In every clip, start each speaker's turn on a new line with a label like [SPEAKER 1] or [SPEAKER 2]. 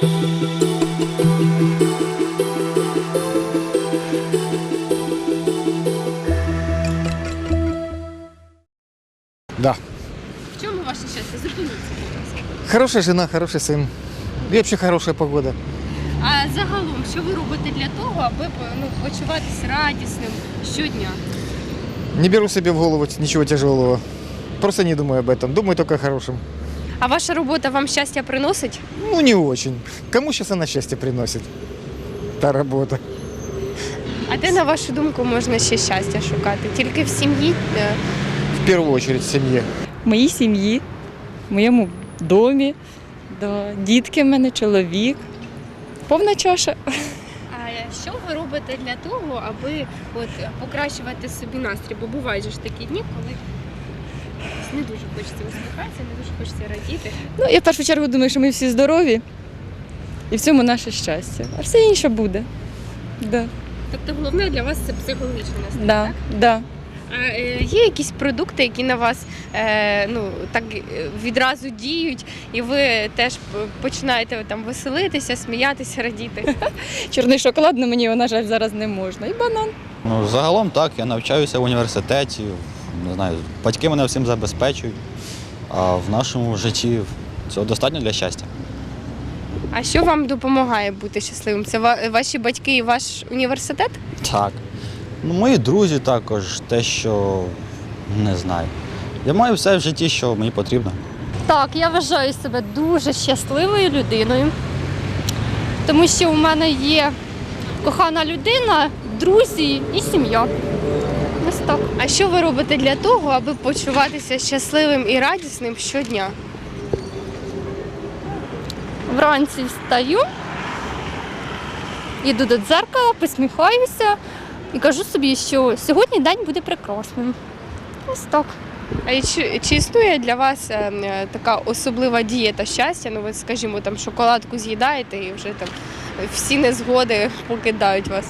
[SPEAKER 1] Да.
[SPEAKER 2] В чому ваше щастя? Зупиніться, будь ласка.
[SPEAKER 1] Хорошая жена, хороший сын. И вообще хорошая погода.
[SPEAKER 2] А загалом, що ви робите для того, аби почуватися радісним щодня?
[SPEAKER 1] Не беру себе в голову ничего тяжелого. Просто не думаю об этом. Думаю только о хорошем.
[SPEAKER 2] А ваша робота вам щастя приносить?
[SPEAKER 1] Ну, не очень. Кому сейчас она счастье приносит? Та работа.
[SPEAKER 2] А де, на вашу думку, можна ще щастя шукати? Тільки в сім'ї?
[SPEAKER 1] В первую очередь в семье.
[SPEAKER 3] В моїй сім'ї, в моєму домі, да, дітки в мене, чоловік. Повна чаша.
[SPEAKER 2] А що ви робите для того, аби покращувати собі настрій? Бо бувають же ж такі дні, коли не дуже хочеться усміхатися, не дуже хочеться радіти.
[SPEAKER 3] Ну, я в першу чергу думаю, що ми всі здорові і в цьому наше щастя. А все інше буде. Да.
[SPEAKER 2] Тобто головне для вас це психологічний настрій,
[SPEAKER 3] Да.
[SPEAKER 2] так?
[SPEAKER 3] Да.
[SPEAKER 2] А є якісь продукти, які на вас так відразу діють, і ви теж починаєте там веселитися, сміятися, радіти?
[SPEAKER 3] Чорний шоколад, але мені, на жаль, зараз не можна. І банан.
[SPEAKER 4] Ну, загалом так, я навчаюся в університеті, не знаю, батьки мене всім забезпечують, а в нашому житті цього достатньо для щастя.
[SPEAKER 2] А що вам допомагає бути щасливим? Це ваші батьки і ваш університет?
[SPEAKER 4] Так. Ну, мої друзі також, те, що не знаю. Я маю все в житті, що мені потрібно.
[SPEAKER 5] Так, я вважаю себе дуже щасливою людиною, тому що у мене є кохана людина, друзі і сім'я. Ось так.
[SPEAKER 2] А що ви робите для того, аби почуватися щасливим і радісним щодня?
[SPEAKER 5] Вранці встаю, йду до дзеркала, посміхаюся і кажу собі, що сьогодні день буде прекрасним. Ось так.
[SPEAKER 2] А чи існує для вас така особлива дієта щастя? Ну, ви, скажімо, там шоколадку з'їдаєте і вже там всі незгоди покидають вас.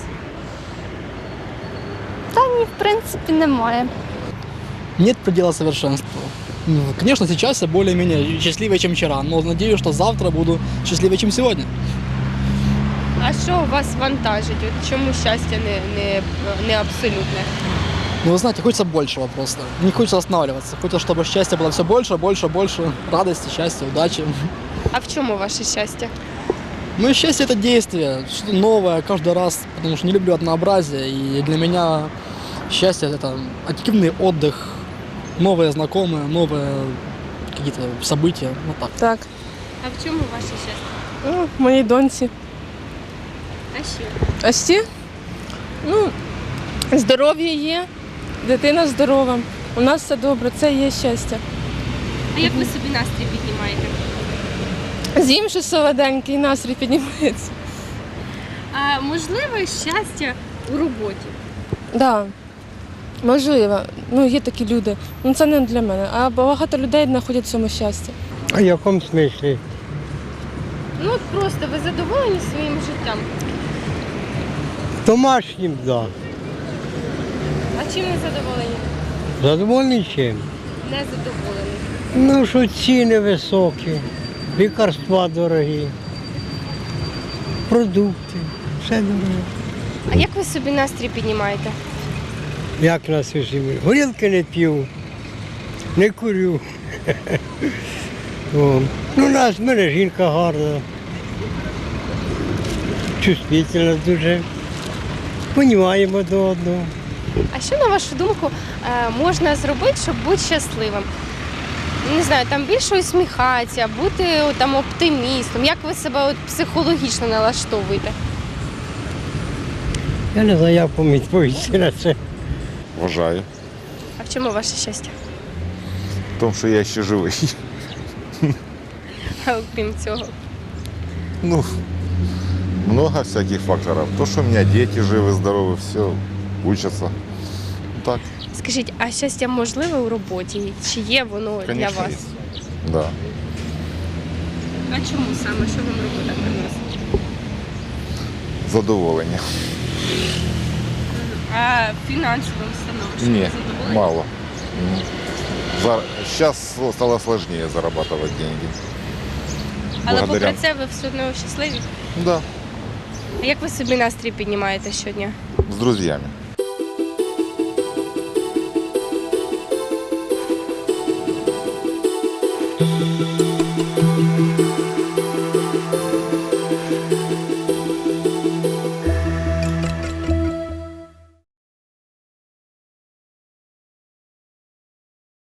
[SPEAKER 5] Та ні, в принципі, немає.
[SPEAKER 6] Нет предела совершенству. Конечно, сейчас я более-менее счастливее, чем вчера, но надеюсь, что завтра буду счастливее, чем сегодня.
[SPEAKER 2] А що вас вантажить? От чому щастя не абсолютне?
[SPEAKER 6] Ну, вы знаете, хочется большего просто. Не хочется останавливаться. Хочется, чтобы счастье было все больше, больше, больше. Радости, счастья, удачи.
[SPEAKER 2] А в чому ваше щастя?
[SPEAKER 6] Ну и счастье – это действие, что-то новое каждый раз, потому что не люблю однообразие. И для меня счастье – это активный отдых, новые знакомые, новые какие-то события. Вот так.
[SPEAKER 7] Так,
[SPEAKER 2] А в чому ваше щастя?
[SPEAKER 7] моїй доньці.
[SPEAKER 2] А ще?
[SPEAKER 7] А ще? Ну, здоров'я є, дитина здорова. У нас все добре, це є щастя.
[SPEAKER 2] А як ви собі настрій піднімаєте?
[SPEAKER 7] З'їм щось солоденьке і настрій піднімається.
[SPEAKER 2] А можливе щастя у роботі?
[SPEAKER 7] Так, да, можливо. Ну, є такі люди. Ну, це не для мене. А багато людей знаходять в цьому щастя.
[SPEAKER 8] А в якому смислі?
[SPEAKER 2] Ну, от просто ви задоволені своїм життям?
[SPEAKER 8] Домашнім, да.
[SPEAKER 2] А чим не задоволені?
[SPEAKER 8] Задоволений чим?
[SPEAKER 2] Не задоволені.
[SPEAKER 8] Ну, що ціни високі, лікарства дорогі, продукти, все дороге.
[SPEAKER 2] А як ви собі настрій піднімаєте?
[SPEAKER 8] Як нас усі? Горілки не п'ю, не курю. О. Ну, в мене жінка гарна, чувствительна дуже, понімаємо до одного.
[SPEAKER 2] А що, на вашу думку, можна зробити, щоб бути щасливим? Не знаю, там більше усміхатися, бути там оптимістом. Як ви себе психологічно налаштовуєте?
[SPEAKER 8] Я не знаю, як вам відповісти на це.
[SPEAKER 9] Вважаю.
[SPEAKER 2] А в чому ваше щастя?
[SPEAKER 9] В тому, що я ще живий.
[SPEAKER 2] А окрім цього?
[SPEAKER 9] Ну, много всяких факторов. То, что у меня дети живы, здоровы, все, учатся. Так,
[SPEAKER 2] Скажіть, а щастя можливе у роботі? Чи є воно
[SPEAKER 9] конечно,
[SPEAKER 2] для вас?
[SPEAKER 9] есть. Да.
[SPEAKER 2] А чому саме? Що вам робота приносить?
[SPEAKER 9] Задоволення.
[SPEAKER 2] А фінансовим становищем
[SPEAKER 9] Не,
[SPEAKER 2] задоволені?
[SPEAKER 9] мало. Сейчас стало сложнее зарабатывать деньги.
[SPEAKER 2] Але
[SPEAKER 9] благодаря.
[SPEAKER 2] попри це ви все одно щасливі.
[SPEAKER 9] Да,
[SPEAKER 2] А як ви собі настрій піднімаєте щодня?
[SPEAKER 9] с друзьями.